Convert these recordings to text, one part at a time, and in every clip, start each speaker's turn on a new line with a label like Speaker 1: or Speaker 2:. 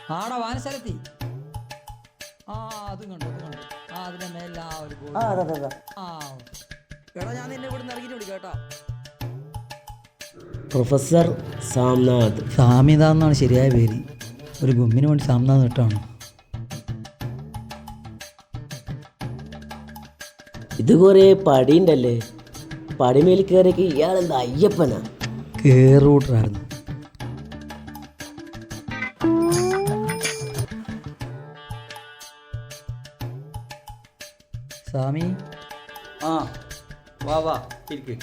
Speaker 1: ആടാ വാനസ്ഥലത്തി. ആ അതും കണ്ടു. ആ അതിന്റെ മേലെ ആ ഒരു ബോർഡ്. ആ എടാ ഞാൻ നിന്നെ ഇവിടെ നിന്ന് ഇറങ്ങിയിട്ട് വിളിക്കാം കേട്ടോ.
Speaker 2: പ്രൊഫസർ സാംനാഥ്.
Speaker 1: സാമിത എന്നാണ് ശരിയായ പേര്. ഒരു ഗുമ്മിന് വേണ്ടി സാംനാഥ് ഇട്ടാണ്.
Speaker 2: ഇത് കുറേ പടിയുണ്ടല്ലേ. പടിമേൽ കയറിയൊക്കെ ഇയാളെന്താ അയ്യപ്പനാ?
Speaker 1: കേറൂട്ടറായിരുന്നു. സ്വാമി
Speaker 3: ആ വാ വാ ഇരിക്ക്.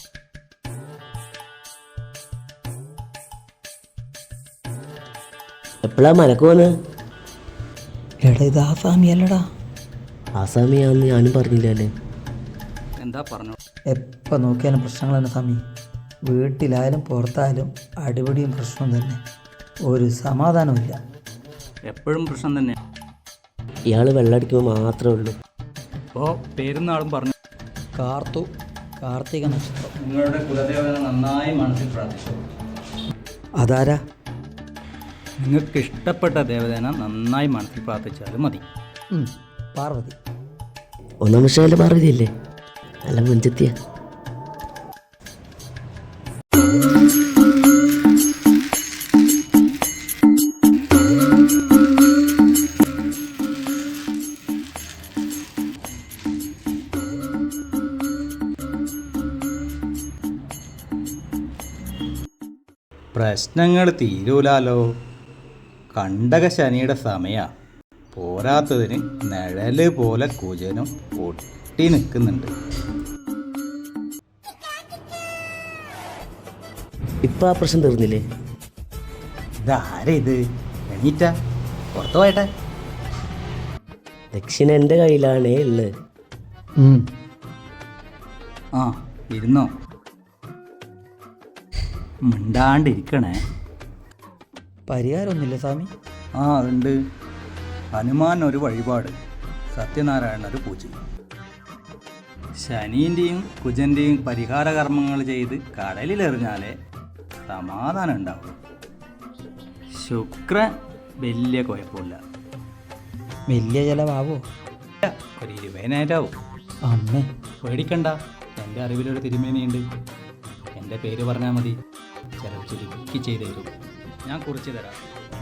Speaker 2: എപ്പോഴാ മലക്ക് പോന്ന്?
Speaker 1: എടാ ഇത് ആ സ്വാമി അല്ലടാ.
Speaker 2: ആസാമിയാന്ന് ഞാനും പറഞ്ഞില്ലല്ലേ.
Speaker 3: എന്താ പറഞ്ഞു?
Speaker 1: എപ്പോൾ നോക്കിയാലും പ്രശ്നങ്ങൾ തന്നെ സ്വാമി. വീട്ടിലായാലും പുറത്തായാലും അടിപിടിയും പ്രശ്നവും തന്നെ. ഒരു സമാധാനമില്ല.
Speaker 3: എപ്പോഴും പ്രശ്നം തന്നെ.
Speaker 2: ഇയാൾ വെള്ളമടിക്കുമ്പോൾ മാത്രമേ ഉള്ളൂ.
Speaker 3: അപ്പോൾ പേരുന്നാളും പറഞ്ഞു.
Speaker 1: കാർത്തിക നക്ഷത്രം.
Speaker 3: നിങ്ങളുടെ കുലദേവനെ നന്നായി മനസ്സിൽ പ്രാർത്ഥിച്ചു.
Speaker 1: അതാരാ?
Speaker 3: നിങ്ങൾക്ക് ഇഷ്ടപ്പെട്ട ദേവതേനെ നന്നായി മനസ്സിൽ പ്രാർത്ഥിച്ചാലും മതി.
Speaker 1: പാർവതി.
Speaker 2: ഒന്നാം വർഷകാല പാർവതിയല്ലേ? നല്ല മുഞ്ചെത്തിയ.
Speaker 3: പ്രശ്നങ്ങൾ തീരൂലാലോ. കണ്ടക ശനിയുടെ സമയ. പോരാത്തതിന് നിഴല് പോലെ കുജനും ഒട്ടി നിൽക്കുന്നുണ്ട്.
Speaker 2: ഇപ്പം ആ പ്രശ്നം തീർന്നില്ലേ?
Speaker 3: ഇതാരാ ഇത്? എണീറ്റാ പുറത്തു പോയട്ടെ.
Speaker 2: ദക്ഷിണ എൻ്റെ കയ്യിലാണേ ഉള്ളത്.
Speaker 3: ആ ഇരുന്നോ. മിണ്ടാണ്ടിരിക്കണേ.
Speaker 1: പരിഹാരമൊന്നുമില്ല സ്വാമി?
Speaker 3: ആ അതുണ്ട്. ഹനുമാൻ ഒരു വഴിപാട്, സത്യനാരായണ ഒരു പൂജ. ശനീൻ്റെയും കുജൻ്റെയും പരിഹാര കർമ്മങ്ങൾ ചെയ്ത് കടലിലെറിഞ്ഞാലേ സമാധാനം ഉണ്ടാവും. ശുക്രൻ വലിയ കുഴപ്പമില്ല.
Speaker 1: വലിയ ചിലവാവോ?
Speaker 3: ഒരു 20,000
Speaker 1: അമ്മേ
Speaker 3: പേടിക്കണ്ട. എൻ്റെ അറിവിലൊരു തിരുമേനിയുണ്ട്. എൻ്റെ പേര് പറഞ്ഞാൽ മതി, ചിലവ് ചുരുക്കി ചെയ്തു തരും. ഞാൻ കുറിച്ച് തരാം.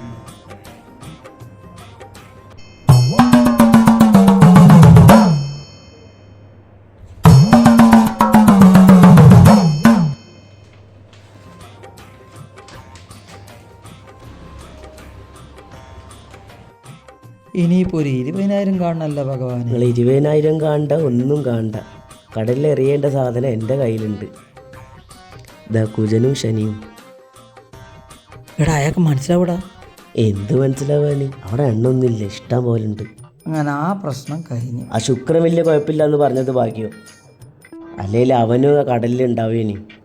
Speaker 1: ഇനിയിപ്പോൾ ഒരു 20,000 കാണണമല്ല ഭഗവാൻ.
Speaker 2: നിങ്ങൾ 20,000 കാണണ്ട, ഒന്നും കാണണ്ട. കടലിൽ എറിയേണ്ട സാധനം എൻ്റെ കയ്യിലുണ്ട്. ഇതാ കുജനും ശനിയും.
Speaker 1: എടാ അയാൾക്ക് മനസ്സിലാവൂടാ.
Speaker 2: എന്ത് മനസ്സിലാവാന്? അവിടെ എണ്ണൊന്നുമില്ല, ഇഷ്ടം പോലെ ഉണ്ട്.
Speaker 1: അങ്ങനെ ആ പ്രശ്നം കഴിഞ്ഞു.
Speaker 2: ആ ശുക്രൻ വലിയ കുഴപ്പമില്ല എന്ന് പറഞ്ഞത് ഭാഗ്യം. അല്ലെങ്കിൽ അവനും കടലിൽ ഉണ്ടാവുകയാണ്.